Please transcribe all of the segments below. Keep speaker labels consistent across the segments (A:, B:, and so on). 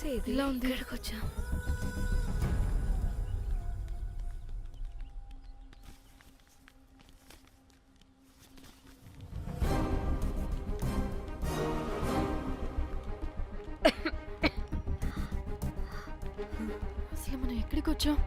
A: చేసేది?
B: ఇలా ఉంది.
A: ఇక్కడికి వచ్చా.
B: అసలు మనం ఎక్కడికి వచ్చాం?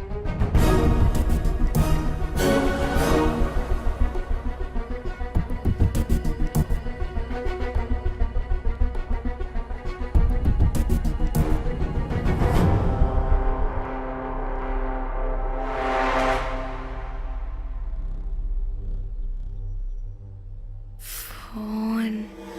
A: ఫోన్.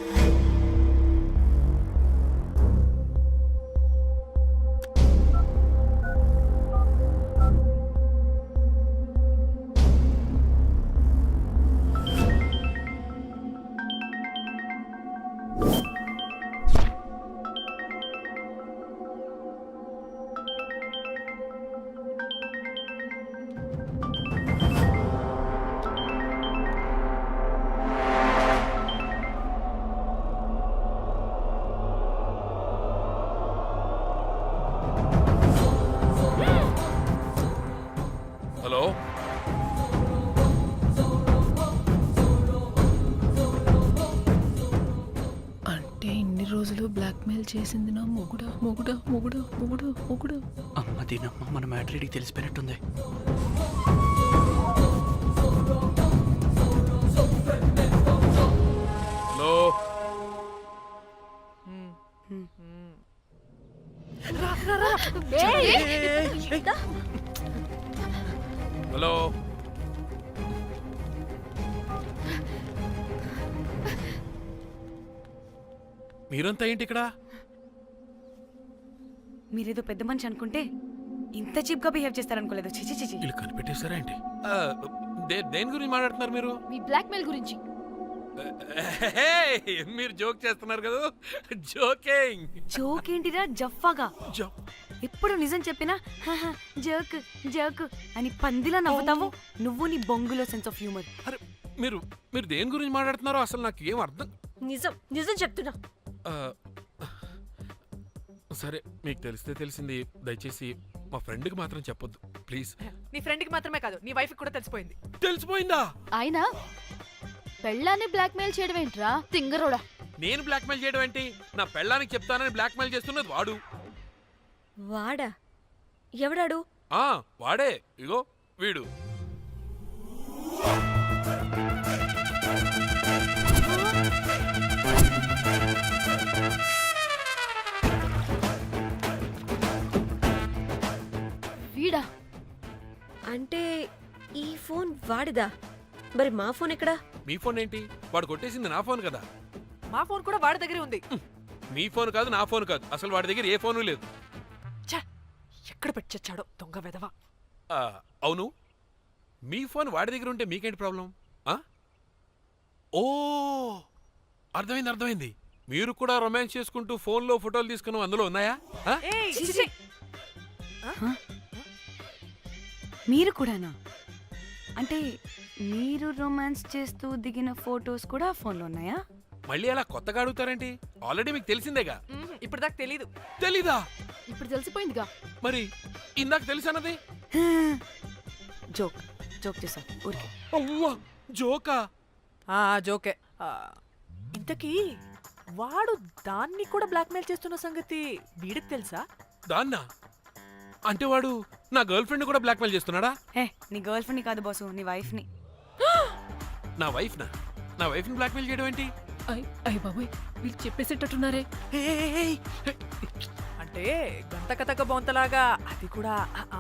C: హలో,
B: అంటే ఇన్ని రోజులు బ్లాక్మెయిల్ చేసింది నా మొగుడా మొగుడా మొగుడా మొగుడా మొగుడా.
D: అమ్మ దీనమ్మ మన మ్యాట్రీడికి తెలిసిపోయినట్టుంది.
C: Hello, hello. మీరంతా ఏంటి ఇక్కడ?
A: మీరేదో పెద్ద మనిషి అనుకుంటే ఇంత చీప్ గా బిహేవ్ చేస్తారనుకోలేదు. చిచి చిచి.
C: వీళ్ళు కనిపెట్టేశారా ఏంటి? దేని గురించి మాట్లాడుతున్నారు మీరు?
B: మీ బ్లాక్మెయిల్ గురించి.
C: మీరు జోక్ చేస్తున్నారు కదా? జోకింగ్.
A: జోక్ ఏంటిరా జఫ్ఫాగా? ఎప్పుడు నిజం చెప్పినా జోక్ జోక్ అని పందిలా నవ్వుతావు. నువ్వు నీ బొంగులో సెన్స్ ఆఫ్ హ్యూమర్.
C: అరే మీరు మీరు దేని గురించి మాట్లాడుతున్నారో అసలు నాకు ఏం అర్థం.
A: నిజం నిజం చెప్తున్నా.
C: ఆ, సరే, మీకు తెలిస్తే తెలిసింది. దయచేసి మా ఫ్రెండ్కి మాత్రం చెప్పొద్దు ప్లీజ్.
E: నీ ఫ్రెండ్కి మాత్రమే కాదు, నీ వైఫ్ కూడా తెలిసిపోయింది.
C: తెలిసిపోయిందా?
B: ఆయన పెళ్ళాన్ని బ్లాక్మెయిల్ చేయడం ఏంట్రా తింగరోడా?
C: నేను బ్లాక్మెయిల్ చేయడం ఏంటి? నా పెళ్ళానికి చెప్తానని బ్లాక్మెయిల్ చేస్తున్నది వాడు.
A: వాడా? ఎవడాడు?
C: వాడే. ఇగో వీడు.
B: వీడా?
F: అంటే ఈ ఫోన్ వాడిదా? మరి మా ఫోన్ ఎక్కడా?
C: మీ ఫోన్ ఏంటి? వాడు కొట్టేసింది నా ఫోన్ కదా.
E: మా ఫోన్ కూడా వాడి దగ్గరే ఉంది.
C: మీ ఫోన్ కాదు, నా ఫోన్ కాదు, అసలు వాడి దగ్గర ఏ ఫోను లేదు.
E: ఎక్కడ పెట్టొచ్చాడో దొంగ వెధవ.
C: అవును, మీ ఫోన్ వాడి దగ్గర ఉంటే మీకేంటి ప్రాబ్లం? ఓ, అర్థమైంది అర్థమైంది. మీరు కూడా రొమాన్స్ చేసుకుంటూ ఫోన్లో ఫోటోలు తీసుకున్నాం, అందులో ఉన్నాయా?
A: మీరు కూడానా? అంటే మీరు రొమాన్స్ చేస్తూ దిగిన ఫోటోస్ కూడా ఫోన్లో ఉన్నాయా?
C: మళ్ళీ అలా కొత్తగా అడుగుతారేంటి? ఆల్రెడీ మీకు తెలిసిందేగా.
E: ఇప్పుడు దాకా తెలీదు.
C: తెలీదా?
B: ఇప్పుడు తెలిసిపోయిందిగా.
C: మరి ఇందాక తెలిసన్నది
A: జోక్ జోక్ చేశాను ఊరికే.
C: అవ్వా, జోకా?
E: జోకే. ఇంతకీ వాడు దాన్ని కూడా బ్లాక్మెయిల్ చేస్తున్న సంగతి వీడికి తెలుసా?
C: దాన్నా? అంటే వాడు నా గర్ల్ ఫ్రెండ్ కూడా బ్లాక్మెయిల్ చేస్తున్నాడా?
A: నీ గర్ల్ ఫ్రెండ్ని కాదు బాసు, నీ వైఫ్ని.
C: నా వైఫ్నా? నా వైఫ్ని బ్లాక్మెయిల్ చేయడం ఏంటి?
B: అయ్య బాబోయ్, వీళ్ళు చెప్పేసేటట్టున్నారే.
E: అంటే గంత కథక బొంతలాగా అది కూడా.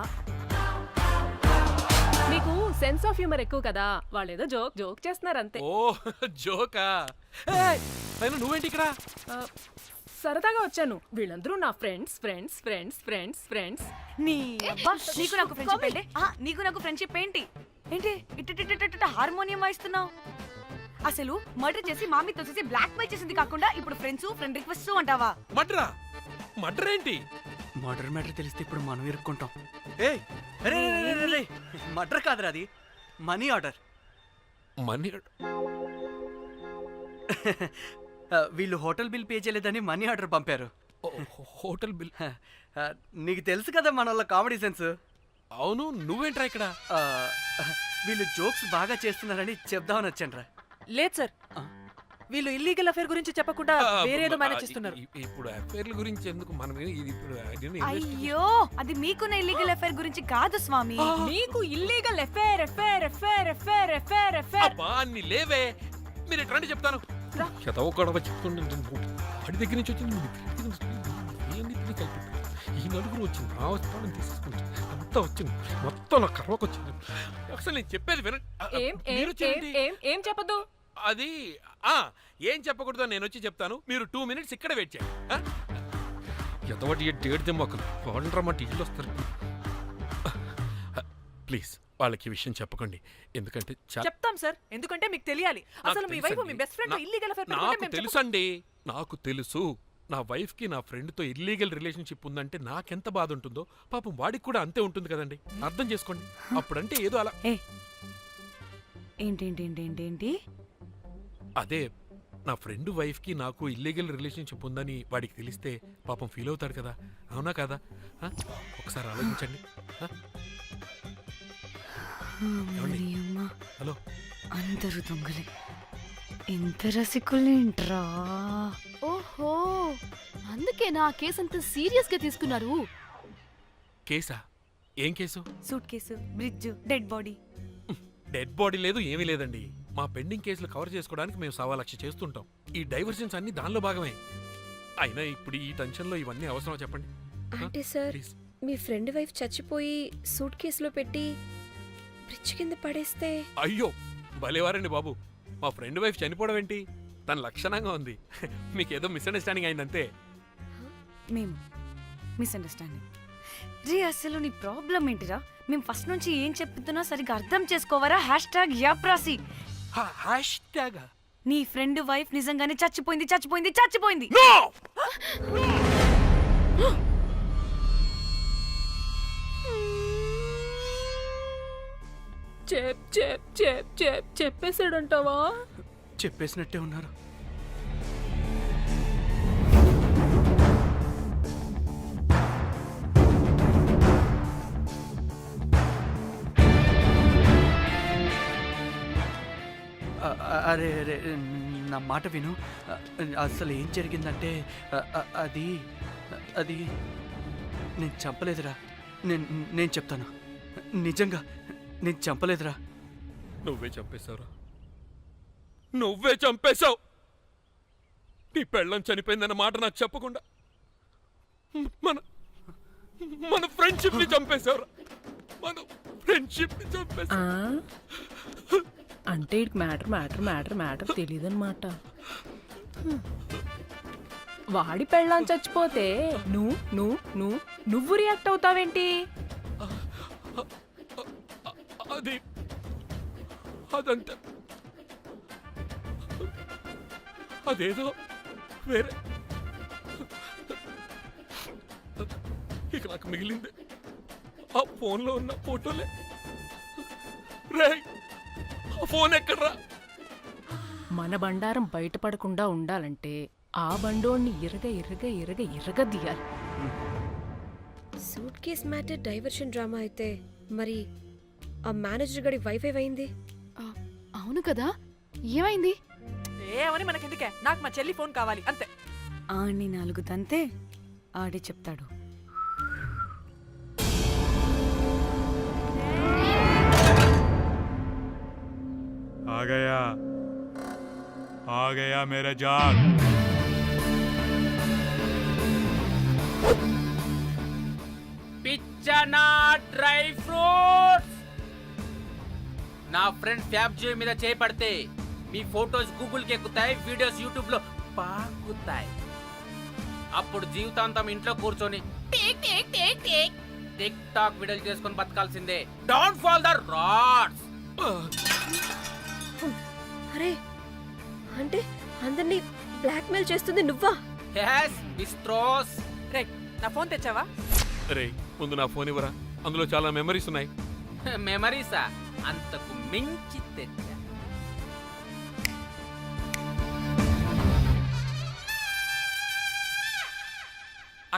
G: మీకు సెన్స్ ఆఫ్ హ్యూమర్ ఎక్కువ కదా, వాళ్ళేదో జోక్ జోక్ చేస్తున్నారు అంతే.
C: ఓ జోకా? అయినా నువ్వేంటి ఇక్కడ?
G: సరదాగా వచ్చాను. వీళ్ళందరూ నా friends friends friends friends friends.
A: నీకు నాకు ఫ్రెండ్షిప్ ఏంటి? నీకు నాకు ఫ్రెండ్షిప్ ఏంటి? ఏంటి ఇట్ట హార్మోనియం వాయిస్తున్నావు? అసలు మర్డర్ చేసి మామీ తోసేసి బ్లాక్ మెయిల్ చేసింది కాకుండా ఇప్పుడు ఫ్రెండ్స్ ఫ్రెండ్ రిక్వెస్ట్ అంటావా?
C: మర్డరా? మర్డర్ ఏంటి?
D: మర్డర్ మ్యాటర్ తెలిస్తే ఇప్పుడు మనం ఇరుక్కుంటాం. మర్డర్ కాదురా, అది మనీ ఆర్డర్.
C: మనీ?
D: వీళ్ళు హోటల్ బిల్ పే చేయలేదని మనీ ఆర్డర్ పంపారు.
C: Hotel bill.
D: నీకు తెలుసు కదా మన వాళ్ళ కామెడీ సెన్స్.
C: అవును, నువ్వేంట్రా ఇక్కడ?
D: వీళ్ళు జోక్స్ బాగా చేస్తున్నారని చెప్దామని వచ్చానురా.
E: లేదు సార్, వీళ్ళు ఇల్లీగల్ అఫేర్ గురించి చెప్పకుండా వేరేదో మేనేజ్ చేస్తున్నారు.
C: ఇప్పుడు అఫైర్ల గురించి ఎందుకు మనం ఇది ఇప్పుడు
A: అయ్యో, అది మీకున్న ఇల్లీగల్ అఫైర్ గురించి కాదు స్వామి.
G: నీకు illegal affair affair affair affair affair affair
C: అబ్బా అన్ని లేవే, మీరు ఎట్లా చెప్తాను. చదవ గొడవ చెప్తుండే వాడి దగ్గర నుంచి వచ్చింది, ఇవన్నీ కలిపి ఈ నలుగురు వచ్చింది, నా వస్తానని తీసుకుంటుంది, అంతా వచ్చింది, మొత్తం నా కర్వకు వచ్చింది. అసలు నేను చెప్పేది వినండి.
G: ఏం
C: మీరు
G: ఏం
C: చేయండి.
G: ఏం ఏం చెప్పదు.
C: అది ఏం చెప్పకూడదు, నేను వచ్చి చెప్తాను. మీరు 2 minutes ఇక్కడ వెయిట్ చేయండి. ఎంతవాటి డేట్ దెమ్మకలు వాళ్ళరమ్మంటే ఇల్లు వస్తారు. ప్లీజ్ వాళ్ళకి ఈ విషయం చెప్పకండి, ఎందుకంటే
E: చెప్తాం సార్, ఎందుకంటే మీకు తెలియాలి. అసలు మీ వైఫ్ మీ బెస్ట్ ఫ్రెండ్ ఇల్లీగల్ అఫేర్
C: నాకు తెలుసండి, నాకు తెలుసు. నా వైఫ్ కి నా ఫ్రెండ్ తో ఇల్లీగల్ రిలేషన్షిప్ ఉందంటే నాకెంత బాధ ఉంటుందో పాపం వాడికి కూడా అంతే ఉంటుంది కదండి. అర్థం చేసుకోండి. అప్పుడంటే ఏదో అలా.
A: ఏంటి
C: అదే నా ఫ్రెండ్ వైఫ్ కి నాకు ఇల్లీగల్ రిలేషన్షిప్ ఉందని వాడికి తెలిస్తే పాపం ఫీల్ అవుతాడు కదా, అవునా కదా? ఒకసారి ఆలోచించండి. హలో,
A: అందరూ దొంగలే, ఎంత రసికులేంట్రా.
H: ఓహో, అందుకే నా కేసు అంత సీరియస్ గా తీసుకున్నారు.
C: కేసా? ఏం case?
A: Suit case, bridge, dead body.
C: Dead body లేదు, ఏమీ లేదండి. మా పెండింగ్ కేసులు కవర్ చేసుకోవడానికి మేము 1,00,000 చేస్తుంటాం. ఈ డైవర్షన్స్ అన్ని దానిలో భాగమే. అయినా ఇప్పుడు ఈ టెన్షన్లో ఇవన్నీ అవసరమా చెప్పండి?
F: అంటే సార్,
C: ప్లీజ్.
F: మీ ఫ్రెండ్ వైఫ్ చచ్చిపోయి సూట్ కేసులో పెట్టి బ్రిడ్జ్ కింద పడేస్తే?
C: అయ్యో భలేవారండి బాబు, మా ఫ్రెండ్ వైఫ్ చనిపోవడం ఏంటి? తన లక్షణంగా ఉంది. మీకేదో మిస్అండర్స్టాండింగ్ అయిందంతే.
A: మేము మిస్అండర్స్టాండింగ్ రీ. అసలు నీ ప్రాబ్లం ఏంటిరా? మేము ఫస్ట్ నుంచి ఏం చెప్తున్నా సరిగ్గా అర్థం చేసుకోవరా? #యాప్రాసి. నీ ఫ్రెండ్ వైఫ్ నిజంగానే చచ్చిపోయింది చచ్చిపోయింది చచ్చిపోయింది.
G: చెప్పేసాడంటావా?
D: చెప్పేసినట్టే ఉన్నారు. అరే అరే, నా మాట విను. అసలు ఏం జరిగిందంటే అది అది నేను చంపలేదురా. నేను చెప్తాను, నిజంగా నేను చంపలేదురా.
C: నువ్వే చంపేశావురా, నువ్వే చంపేశావు. నీ పెళ్ళం చనిపోయిందన్న మాట నాకు చెప్పకుండా మన మన ఫ్రెండ్షిప్ ని చంపేశావురా. మన ఫ్రెండ్షిప్ ని చంపేశావు.
B: అంటే ఇటు మ్యాటర్ తెలియదన్నమాట.
G: వాడి పెళ్ళాం చచ్చిపోతే నువ్వు రియాక్ట్ అవుతావేంటి?
C: అదంతా అదేదో వేరే. ఇక నాకు మిగిలింది ఆ ఫోన్లో ఉన్న ఫోటోలే. రే, ఆ ఫోన్ ఎక్కడ్రా?
B: మన బండారం బయటపడకుండా ఉండాలంటే ఆ బండోణ్ణి ఇరగదీయాలి.
F: Suit case matter diversion drama అయితే మరి ఆ మేనేజర్ గడి వైఫ్ అయింది.
H: అవును కదా, ఏమైంది?
E: ఏమని మనకెందుకే, నాకు మా చెల్లి ఫోన్ కావాలి అంతే.
A: ఆడిని 4 తంతే ఆడే చెప్తాడు.
I: आ गया मेरा जाग.
J: పిచ్చనా డ్రై ఫ్రూట్స్. నా ఫ్రెండ్ ఫ్యాబ్జీ మీద చేపడితే మీ ఫోటోస్ గూగుల్ కి ఎక్కుతాయి, వీడియోస్ యూట్యూబ్ లో పాకుతాయి. అప్పుడు జీవితాంతం ఇంట్లో కూర్చొని టిక్ టాక్ వీడియోలు చేసుకొని బతకాల్సిందే. Don't fall the rods.
F: అరే, అంటే అందరినీ బ్లాక్మెయిల్ చేస్తుంది నువ్వా?
J: yes బిస్ట్రోస్.
E: రే, నా ఫోన్ తెచ్చావా?
C: రే, ముందు నా ఫోన్ ఇవ్వరా, అందులో చాలా మెమరీస్ ఉన్నాయి.
J: మెమరీసా? అంతకు మించి తెచ్చా.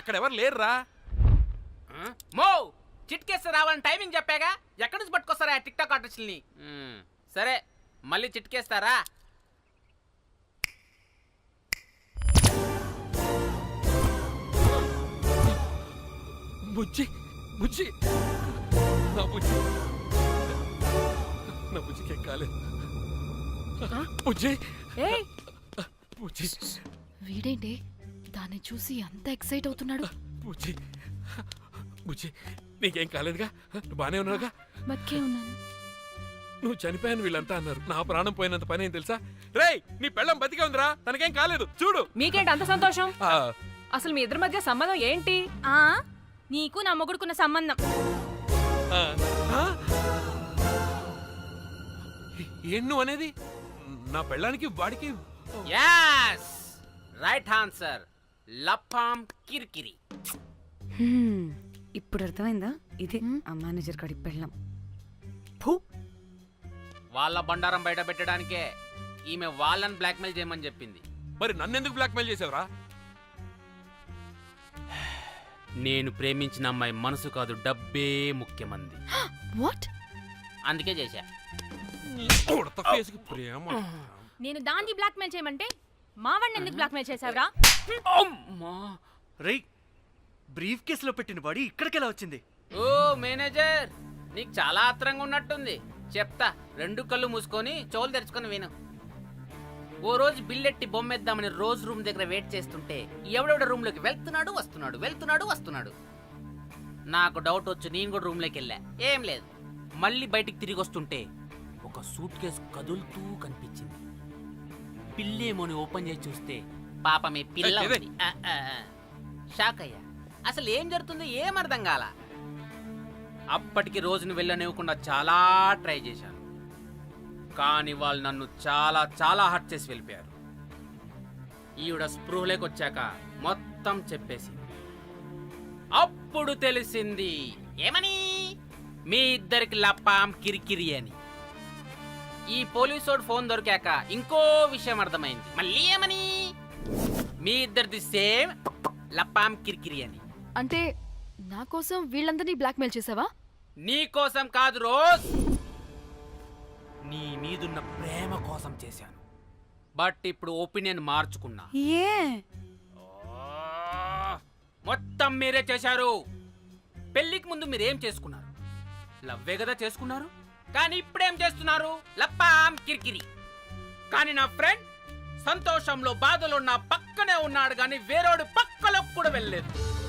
C: అక్కడ ఎవరు లేరురా.
J: మో చిట్కేస్తే రావాలని టైమింగ్ చెప్పాగా, ఎక్కడి నుంచి పట్టుకొస్తారా టిక్ టాక్ ఆర్టిస్టుల్ని? సరే మళ్ళీ చిట్కేస్తారా?
C: బుజ్జి బుజ్జి నా బుజ్జి, నా బుజ్జికి కాలేదు. బుజ్జి
G: ఏయ్
C: బుజ్జి
H: వీడేంటి దాన్ని చూసి అంత ఎక్సైట్ అవుతున్నాడు?
C: బుజ్జి బుజ్జి నీకేం కాలేదుగా? నువ్వు బానే ఉన్నావుగా?
H: బతికే ఉన్నాను.
C: నువ్వు చనిపోయాను వీళ్ళంతా అన్నారు. నా ప్రాణం పోయినంత పని ఏం తెలుసా? రేయ్ నీ పెళ్ళం బతికే ఉందిరా, తనకేం కాలేదు చూడు.
G: మీకేంటి అంత సంతోషం?
C: ఆ,
G: అసలు మీ ఇద్దరి మధ్య సంబంధం ఏంటి?
A: నీకు నా మొగుడుకున్న సంబంధం.
C: ఆ, ఆ? ఏం నువ్వు అనేది? నా పెళ్ళానికి వాడికి
J: యాస్ రైట్ ఆన్సర్, లపాం కిరికిరి.
A: ఇప్పుడు అర్థమైందా? ఇదే ఆ మేనేజర్ కాడి పెళ్ళం.
J: వాళ్ళ బండారం బయట పెట్టడానికే ఈమె వాళ్ళని బ్లాక్మెయిల్ చేయమని చెప్పింది.
C: మరి నన్నెందుకు బ్లాక్మెయిల్ చేసావురా?
J: నేను ప్రేమించిన అమ్మాయి మనసు కాదు, డబ్బే ముఖ్యమంది.
H: వాట్?
J: అందుకే చేశా.
C: ఉడత ఫేస్కి ప్రేమ.
A: నేను దాన్ని బ్లాక్మెయిల్ చేయమంటే మావాడిని ఎందుకు బ్లాక్మెయిల్ చేసావురా?
J: అమ్మా.
D: రేయ్, బ్రీఫ్ కేసులో పెట్టిన బాడీ ఇక్కడికి ఎలా వచ్చింది?
J: ఓ మేనేజర్, నీకు చాలా ఆత్రంగా ఉన్నట్టుంది. చెప్తా, రెండు కళ్ళు మూసుకొని చెవులు తెరుచుకొని విను. ఓ రోజు బిల్లెట్టి బొమ్మేద్దామని రోజు రూమ్ దగ్గర వెయిట్ చేస్తుంటే ఎవడెవడ రూమ్ లోకి వెళ్తున్నాడు వస్తున్నాడు. నాకు డౌట్ వచ్చి నేను కూడా రూమ్ లోకి వెళ్ళా. ఏం లేదు. మళ్ళీ బయటికి తిరిగి వస్తుంటే ఒక సూట్ కేసు కదులుతూ కనిపించింది. పిల్లేమోని ఓపెన్ చేసి చూస్తే పాపమే పిల్ల ఉంది. షాక్ అయ్యా. అసలు ఏం జరుగుతుందో ఏం అర్థం కాల. అప్పటికి రోజును వెళ్ళనివ్వకుండా చాలా ట్రై చేశాను, కానీ వాళ్ళు నన్ను చాలా హర్ట్ చేసి వెళ్ళిపోయారు. ఈవిడ స్పృహలోకి వచ్చాక మొత్తం చెప్పేసింది. అప్పుడు తెలిసింది ఏమని, మీ ఇద్దరికి లపాం కిరికిరి అని. ఈ పోలీసోడు ఫోన్ దొరికాక ఇంకో విషయం అర్థమైంది. మళ్ళీ ఏమని, మీ ఇద్దరిది సేమ్ లపాం కిరికిరి అని.
H: అంటే నా కోసం వీళ్ళందరినీ బ్లాక్మెయిల్ చేసావా?
J: నీ కోసం కాదు రోజ్, నీ మీదున్న ప్రేమ కోసం చేశాను. బట్ ఇప్పుడు ఒపీనియన్ మార్చుకున్నా.
A: ఏ
J: మొత్తం మీరే చేశారు. పెళ్లికి ముందు మీరేం చేసుకున్నారు? లవ్వే కదా చేసుకున్నారు. కానీ ఇప్పుడేం చేస్తున్నారు? లప్పాం కిరికిరి. కానీ నా ఫ్రెండ్ సంతోషంలో బాధలో నా పక్కనే ఉన్నాడు, కానీ వేరేడు పక్కలోకి కూడా వెళ్ళలేదు.